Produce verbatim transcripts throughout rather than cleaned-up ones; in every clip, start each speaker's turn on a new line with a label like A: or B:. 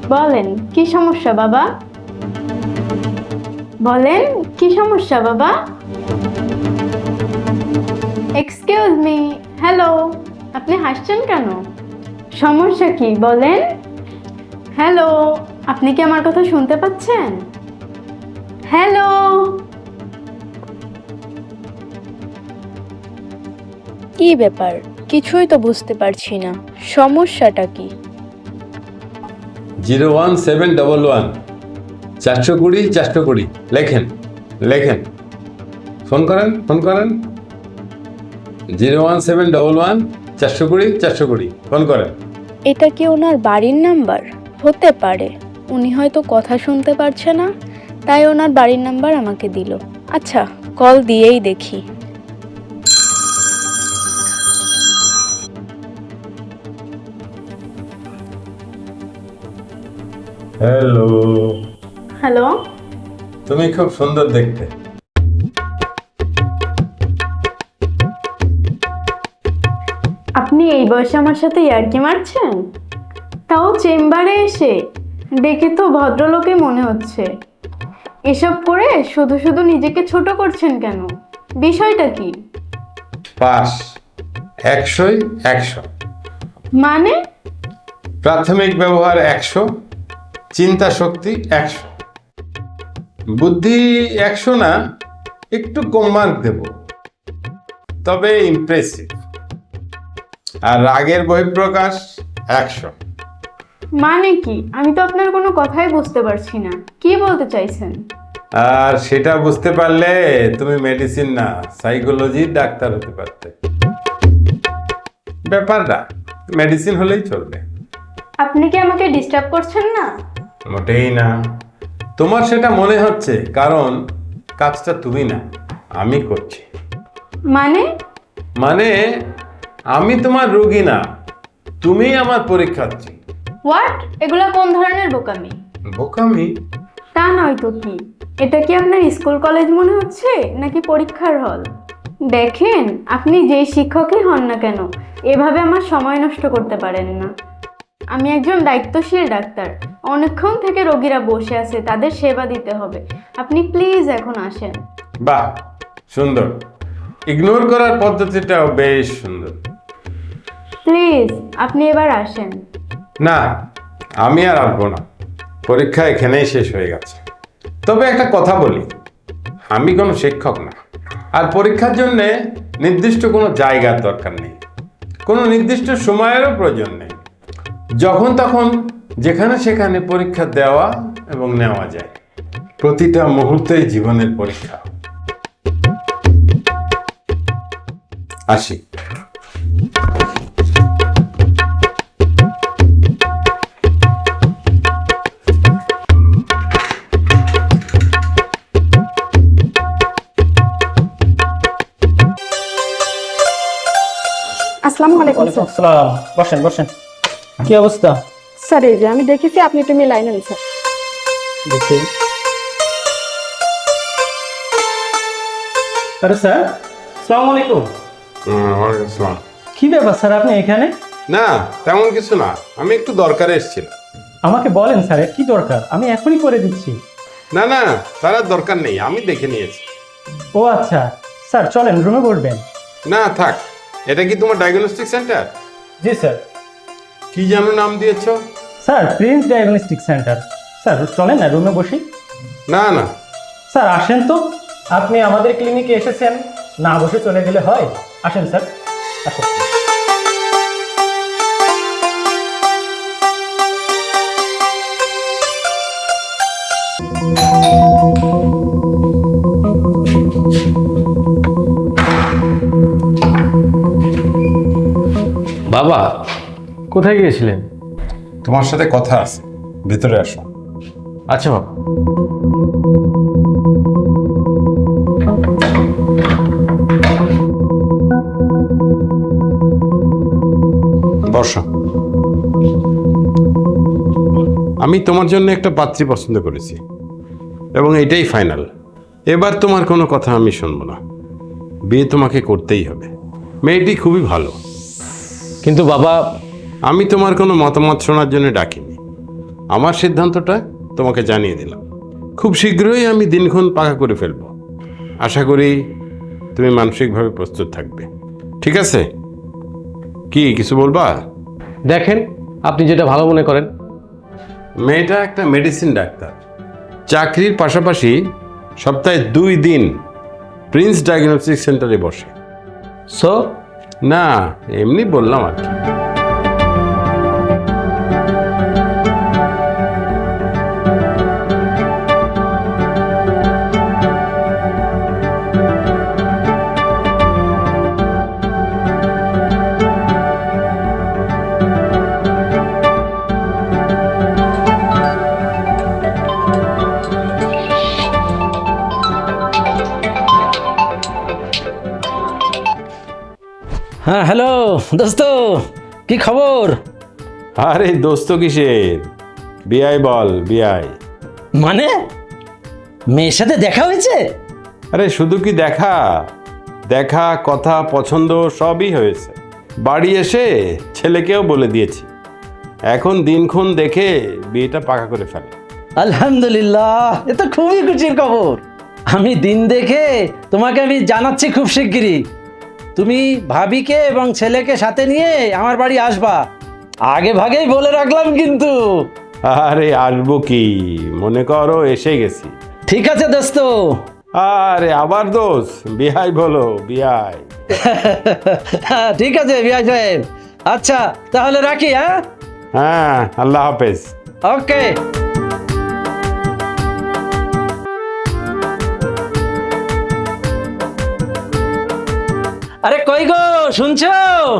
A: বলেন কি সমস্যা বাবা? বলেন কি সমস্যা বাবা? এক্সকিউজ মি, হ্যালো, আপনি হাসছেন কেন? সমস্যা কি বলেন? হ্যালো, আপনি কি আমার কথা শুনতে পাচ্ছেন? হ্যালো।
B: কি ব্যাপার, কিছুই তো বুঝতে পারছি না, সমস্যাটা কি?
C: Zero one seven double one চারশো কুড়ি চারশো কুড়ি লেখেন লেখেন ফোন করেন ফোন করেন zero one seven double one চারশো কুড়ি চারশো কুড়ি ফোন করেন।
B: এটা কি ওনার বাড়ির নাম্বার? হতে পারে, উনি হয়তো কথা শুনতে পারছে না, তাই ওনার বাড়ির নাম্বার আমাকে দিল। আচ্ছা, কল দিয়েই দেখি।
C: হ্যালো,
A: হ্যালো,
C: তুমি খুব সুন্দর দেখতে।
A: আপনি এই বয়সে আমার সাথে ইয়ার্কি মারছেন? তাও চেম্বারে এসে? দেখে তো ভদ্রলোকই মনে হচ্ছে। এসব করে শুধু শুধু নিজেকে ছোট করছেন কেন? বিষয়টা কি?
C: পাস একশোই একশো।
A: মানে?
C: প্রাথমিক ব্যবহার একশো, চিন্তা শক্তি একশো, বুদ্ধি একশো না, একটু কম মার্ক দেব, তবে ইমপ্রেসিভ। আর রাগের বহিঃপ্রকাশ একশো।
A: মানে কি? আমি তো আপনার কোনো কথাই বুঝতে পারছি না, কি বলতে চাইছেন?
C: আর সেটা বুঝতে পারলে তুমি মেডিসিন না সাইকোলজির ডাক্তার হতে পারতে। ব্যাপারটা মেডিসিন হলেই চলবে।
A: আপনি কি আমাকে ডিস্টার্ব করছেন না?
C: মোটেই না। তোমার সেটা মনে হচ্ছে কারণ কাজটা তুমি না, আমি করছি।
A: মানে?
C: মানে আমি তোমার রোগী না, তুমি আমার পরীক্ষার্থী।
A: হোয়াট? এগুলা কোন ধরনের বোকামি?
C: বোকামি?
A: তা নয় তো কি? এটা কি আপনার স্কুল কলেজ মনে হচ্ছে নাকি পরীক্ষার হল? দেখেন, আপনি যেই শিক্ষকই হন না কেন, এভাবে আমার সময় নষ্ট করতে পারেন না। আমি একজন দায়িত্বশীল ডাক্তার, অনেকক্ষণ থেকে রোগীরা বসে আছে, তাদের সেবা দিতে হবে। আপনি প্লিজ এখন আসেন।
C: বাহ, সুন্দর। ইগনোর করার পদ্ধতিটাও বেশ সুন্দর।
A: প্লিজ আপনি এবার আসেন।
C: না, আমি আর আসবো না, পরীক্ষা এখানেই শেষ হয়ে গেছে। তবে একটা কথা বলি, আমি কোনো শিক্ষক না, আর পরীক্ষার জন্যে নির্দিষ্ট কোনো জায়গার দরকার নেই, কোনো নির্দিষ্ট সময়েরও প্রয়োজন নেই। যখন তখন যেখানে সেখানে পরীক্ষা দেওয়া এবং নেওয়া যায়। প্রতিটা মুহূর্তেই জীবনের পরীক্ষা। আসি।
D: আসসালামু আলাইকুম
E: ওয়ালাইকুম
D: স্যার।
E: আসসালাম। বসেন বসেন। কি অবস্থা?
D: স্যার এই যে আমি দেখেছি আপনি একটু মিলাই নেন স্যার।
E: দেখি। আরে স্যার, আসসালামু আলাইকুম।
C: ওয়ালাইকুম আসসালাম।
E: কি ব্যাপার স্যার, আপনি এখানে?
C: না, তেমন কিছু না, আমি একটু দরকারে এসেছিলাম।
E: আমাকে বলেন স্যার, কি দরকার? আমি এখনই করে দিচ্ছি।
C: না না, তার আর দরকার নেই, আমি দেখে নিয়েছি।
E: ও আচ্ছা, স্যার চলেন রুমে বসবেন।
C: না থাক। এটা কি তোমার ডায়াগনস্টিক সেন্টার?
E: জি স্যার।
C: কি যেন নাম দিয়েছো?
E: Sir prince diagnostic centre. Sir চলেন না রুমে বসি।
C: না না।
E: স্যার আসেন তো, আপনি আমাদের ক্লিনিকে এসেছেন, না বসে চলে গেলে হয়? আসেন স্যার, আসেন।
F: বাবা, কোথায় গিয়েছিলেন?
C: তোমার সাথে কথা আছে, ভেতরে আসো।
F: আচ্ছা বাবা।
C: বসো। আমি তোমার জন্য একটা পাত্রী পছন্দ করেছি এবং এটাই ফাইনাল। এবার তোমার কোনো কথা আমি শুনবো না, বিয়ে তোমাকে করতেই হবে। মেয়েটি খুবই ভালো।
F: কিন্তু বাবা,
C: আমি তোমার কোনো মতামত শোনার জন্য ডাকিনি, আমার সিদ্ধান্তটা তোমাকে জানিয়ে দিলাম। খুব শীঘ্রই আমি দিনক্ষণ পাকা করে ফেলবো। আশা করি তুমি মানসিকভাবে প্রস্তুত থাকবে। ঠিক আছে? কি কিছু বলবা?
F: দেখেন, আপনি যেটা ভালো মনে করেন।
C: মেয়েটা একটা মেডিসিন ডাক্তার, চাকরির পাশাপাশি সপ্তাহে দুই দিন প্রিন্স ডায়াগনস্টিক সেন্টারে বসে।
F: সো
C: না, এমনি বললাম আর কি।
G: হ্যাঁ, হ্যালো দোস্ত, কি খবর?
C: আরে দোস্ত কিসের, বিআই বল বিআই।
G: মানে মেয়ের সাথে দেখা হয়েছে?
C: আরে শুধু কি দেখা, দেখা কথা পছন্দ সবই হয়েছে। বাড়ি এসে ছেলেকেও বলে দিয়েছি, এখন দিনক্ষণ দেখে বিয়েটা পাকা করে ফেলে।
G: আলহামদুলিল্লাহ, এ তো খুবই খুশির খবর। আমি দিন দেখে তোমাকে আমি জানাচ্ছি খুব শিগগিরই। তুমি ভাবিকে এবং ছেলেকে সাথে নিয়ে আমার বাড়ি আসবা, আগে ভাগেই বলে রাখলাম কিন্তু।
C: আরে আসবো কি, মনে করো এসে গেছি।
G: ঠিক আছে দোস্ত।
C: আরে আবার দোষ, বিআই বলো বিআই।
G: হ্যাঁ, ঠিক আছে বিআই সাহেব। আচ্ছা তাহলে রাখি। হ্যাঁ
C: হ্যাঁ, আল্লাহ হাফেজ।
G: ওকে। আরে কই গো, শুনছো?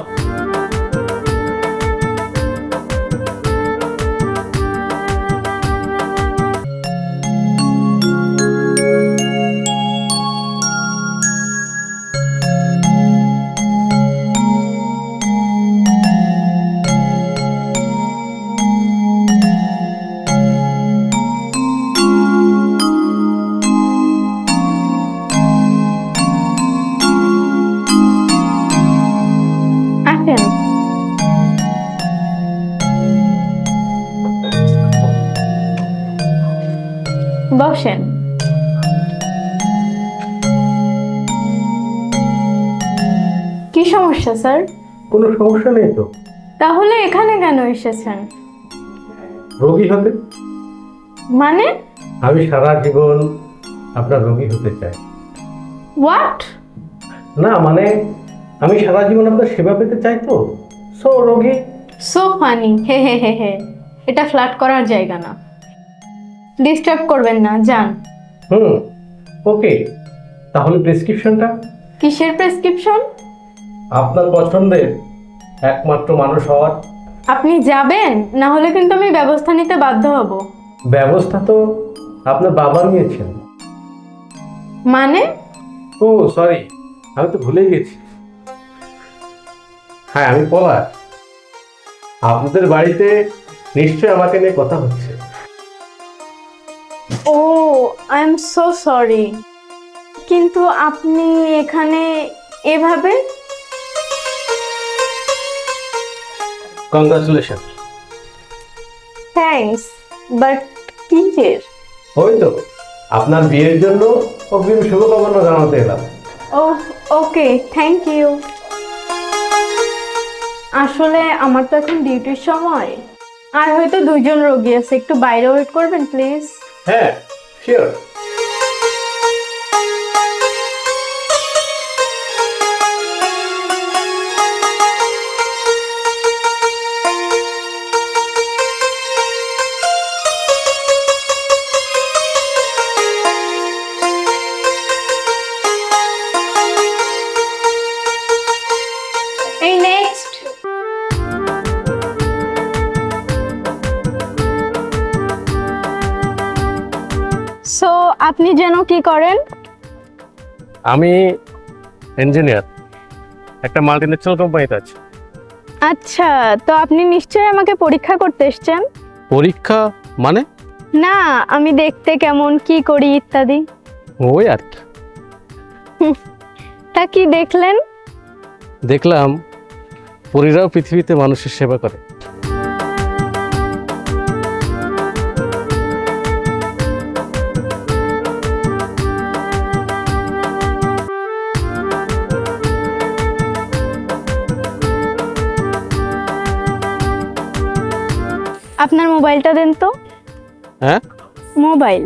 A: আসেন। বসেন। কি সমস্যা স্যার?
E: কোনো সমস্যা নেই তো।
A: তাহলে এখানে কেন এসেছেন?
E: রোগী হতে?
A: মানে
E: আমি সারা জীবন আপনার রোগী হতে চাই।
A: হোয়াট?
E: না মানে আমি সারা জীবন আপনার সেবা পেতে চাই তো, সো রোগী।
A: সো ফানি, হে হে হে হে। এটা ফ্ল্যাট করার জায়গা না, ডিস্টার্ব করবেন না, যান।
E: হুম, ওকে। তাহলে প্রেসক্রিপশনটা?
A: কিসের প্রেসক্রিপশন?
E: আপনার পছন্দের একমাত্র মানুষ হওয়ার।
A: আপনি যাবেন, না হলে কিন্তু আমি ব্যবস্থা নিতে বাধ্য হব।
E: ব্যবস্থা তো আপনার বাবা নিয়েছেন।
A: মানে?
E: ও সরি, আমি তো ভুলে গেছি। হ্যাঁ, আমি পলাশ। আপনাদের বাড়িতে নিশ্চয় আমাকে নিয়ে কথা হচ্ছে।
A: Oh, I am so sorry, কিন্তু আপনি এখানে এভাবে?
E: কংগ্রাচুলেশন।
A: থ্যাঙ্কস, বাট কিসের?
E: ওই তো আপনার বিয়ের জন্য অগ্রিম শুভকামনা জানাতে এলাম।
A: Oh okay, thank you. আসলে আমার তো এখন ডিউটির সময়, আর হয়তো দুইজন রোগী আছে, একটু বাইরে ওয়েট করবেন প্লিজ।
E: হ্যাঁ, শিওর।
A: এই নেক্সট। সো আপনি যেন কি করেন?
F: আমি ইঞ্জিনিয়ার, একটা মাল্টিনেশনাল কোম্পানিতে আছি।
A: আচ্ছা, তো আপনি নিশ্চয়ই আমাকে পরীক্ষা করতে এসেছেন।
F: পরীক্ষা মানে?
A: না, আমি দেখতে কেমন, কি করি ইত্যাদি।
F: ওই আর কি।
A: তা কি দেখলেন?
F: দেখলাম পরীরাও পৃথিবীতে মানুষের সেবা করে।
A: আপনার মোবাইলটা দেন তো।
F: হ্যাঁ
A: মোবাইল।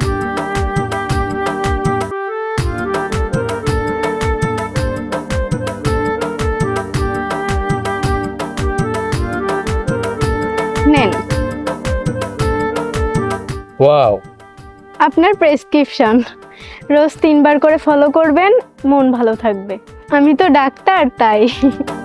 A: নেন
F: ওয়াও,
A: আপনার প্রেসক্রিপশন। রোজ তিনবার করে ফলো করবেন, মন ভালো থাকবে। আমি তো ডাক্তার, তাই।